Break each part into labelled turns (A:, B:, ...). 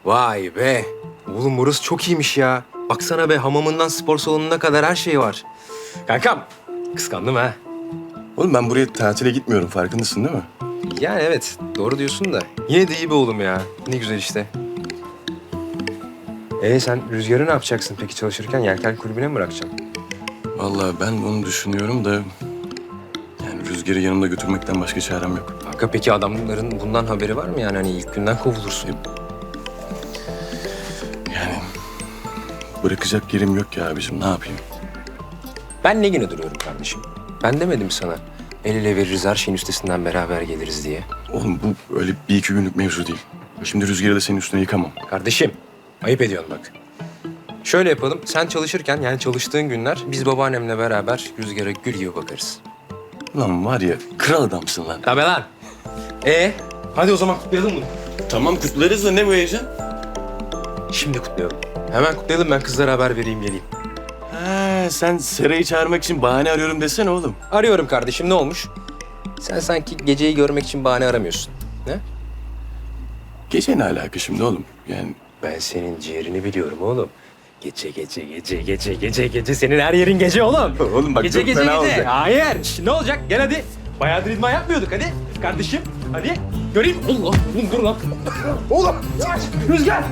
A: Vay be. Oğlum burası çok iyiymiş ya. Baksana be, hamamından spor salonuna kadar her şey var. Kankam, kıskandım ha.
B: Oğlum ben buraya tatile gitmiyorum, farkındasın değil mi?
A: Yani evet, doğru diyorsun da. Yine de iyi bir oğlum ya. Ne güzel işte. Sen Rüzgar'ı ne yapacaksın peki çalışırken? Yelken kulübüne mi bırakacaksın?
B: Vallahi ben onu düşünüyorum da... Yani Rüzgar'ı yanımda götürmekten başka çarem yok.
A: Kanka peki adamların bundan haberi var mı yani? Hani ilk günden kovulursun.
B: Yani bırakacak yerim yok ya abicim, ne yapayım?
A: Ben ne güne duruyorum kardeşim? Ben demedim sana. El ele veririz, her şeyin üstesinden beraber geliriz diye.
B: Oğlum bu öyle bir iki günlük mevzu değil. Şimdi Rüzgar'ı da senin üstüne yıkamam.
A: Kardeşim, ayıp ediyorsun bak. Şöyle yapalım, sen çalışırken yani çalıştığın günler biz babaannemle beraber Rüzgar'a gül gibi bakarız.
B: Lan var ya, kral adamsın lan.
A: Tabii lan. Hadi o zaman kutlayalım bunu.
B: Tamam kutlarız da ne bu heyecan?
A: Şimdi kutlayalım. Hemen kutlayalım, ben kızlara haber vereyim geleyim.
B: Ha, sen Seray'ı çağırmak için bahane arıyorum desene oğlum.
A: Arıyorum kardeşim, ne olmuş? Sen sanki geceyi görmek için bahane aramıyorsun. Ne?
B: Gece ne alaka şimdi oğlum? Yani
A: Ben senin ciğerini biliyorum oğlum. Gece senin her yerin gece oğlum.
B: Oğlum bak çok fena olacak.
A: Hayır. Ne olacak? Gel hadi. Bayağıdır idman yapmıyorduk hadi. Kardeşim hadi. Göreyim. Allah. Oğlum dur lan. Oğlum. Yavaş. Rüzgar.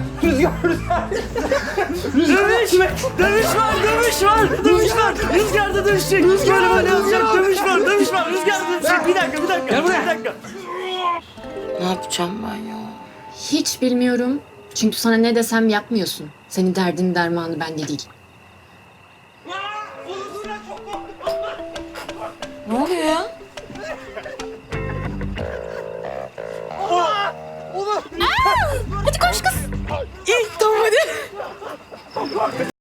C: Dövüş var. Rüzgar da dövüşecek. Rüzgar böyle yapacak. Dövüş var. Rüzgar dövüşecek. Bir dakika.
A: Gel buraya.
C: Bir dakika.
D: Ne yapacağım ben ya?
E: Hiç bilmiyorum. Çünkü sana ne desem yapmıyorsun. Senin derdin dermanı bende değil.
D: Ne oluyor ya?
E: Hadi koş kız.
D: İyi tamam hadi.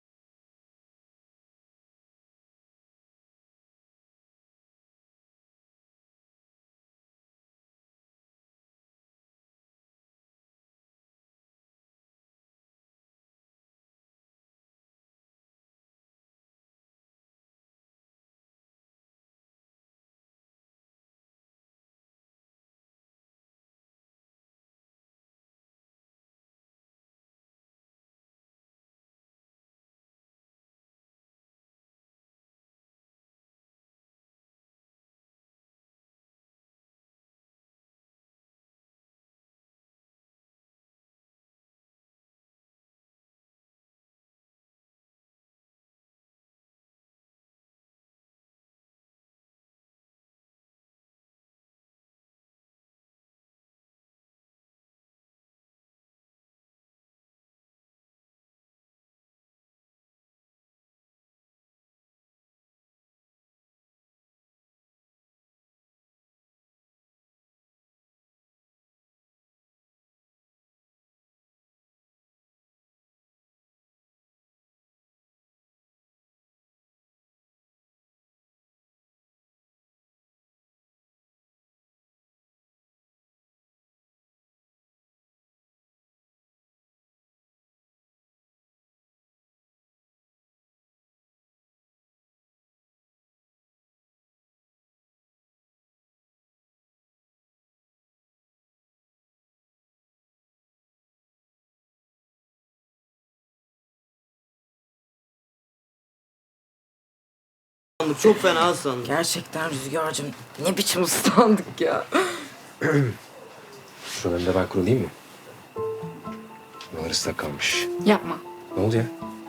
C: Çok fena ıslandım.
D: Gerçekten Rüzgar'cığım ne biçim ıslandık ya.
A: Şuralarını da ben kurulayım mı? Bunlar ıslak kalmış.
E: Yapma.
A: Ne oldu ya?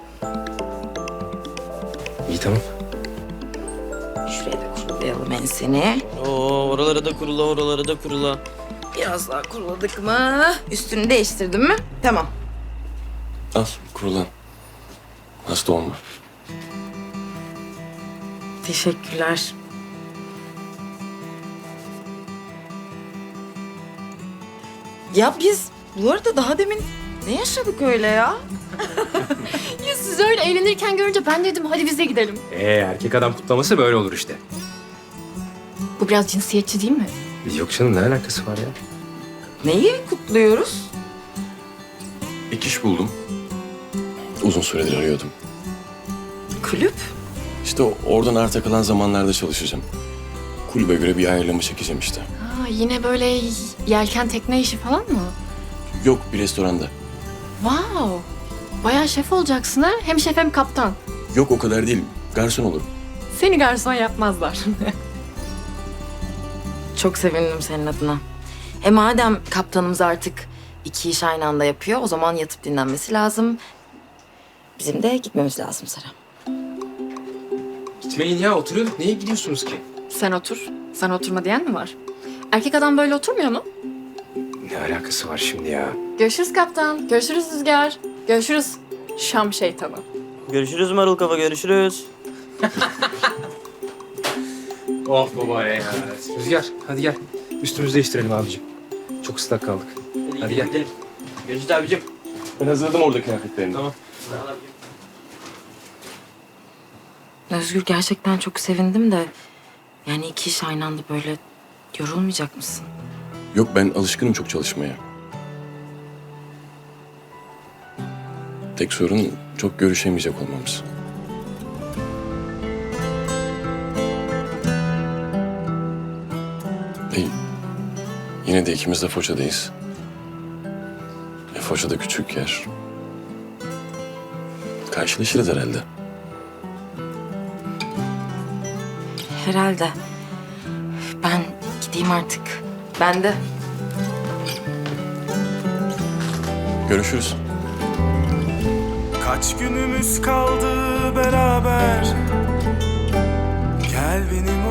A: İyi tamam.
D: Şuraya da kurulayalım enseni.
C: Oo, oralara da kurula.
D: Biraz daha kuruladık mı? Üstünü değiştirdin mi? Tamam.
B: Al kurulan. Hasta olma.
D: Teşekkürler. Ya biz bu arada daha demin ne yaşadık öyle ya?
E: Ya siz öyle eğlenirken görünce ben dedim hadi biz de gidelim.
A: Erkek adam kutlaması böyle olur işte.
E: Bu biraz cinsiyetçi değil mi?
A: Yok canım, ne alakası var ya?
D: Neyi kutluyoruz?
B: İki iş buldum. Uzun süredir arıyordum.
D: Kulüp.
B: İşte oradan arta kalan zamanlarda çalışacağım. Kulübe göre bir ayarlama çekeceğim işte.
E: Ha, yine böyle yelken tekne işi falan mı?
B: Yok, bir restoranda.
E: Wow. Bayağı şef olacaksın ha. Hem şef hem kaptan.
B: Yok o kadar değil. Garson olurum.
E: Seni garson yapmazlar.
D: Çok sevindim senin adına. Madem kaptanımız artık 2 iş aynı anda yapıyor, o zaman yatıp dinlenmesi lazım. Bizim de gitmemiz lazım Sera.
A: Gitmeyin ya, oturun. Niye gidiyorsunuz ki?
E: Sen otur. Sana oturma diyen mi var? Erkek adam böyle oturmuyor mu?
A: Ne alakası var şimdi ya?
E: Görüşürüz kaptan. Görüşürüz Rüzgar. Görüşürüz Şam şeytanı.
C: Görüşürüz marul kafa, görüşürüz.
A: Oh baba ya. Rüzgar, hadi gel. Üstümüzü değiştirelim abicim. Çok ıslak kaldık. Hadi gel.
C: Görüşürüz abicim.
B: Ben hazırladım orada kıyafetlerini.
A: Tamam.
D: Özgür, gerçekten çok sevindim de... Yani 2 iş aynı anda böyle yorulmayacak mısın?
B: Yok ben alışkınım çok çalışmaya. Tek sorun çok görüşemeyecek olmamız. Yine de ikimiz de Foça'dayız. Foça'da küçük yer. Karşılaşırız herhalde.
D: Herhalde. Ben gideyim artık. Ben de.
B: Görüşürüz.
F: Kaç günümüz kaldı beraber. Gel benim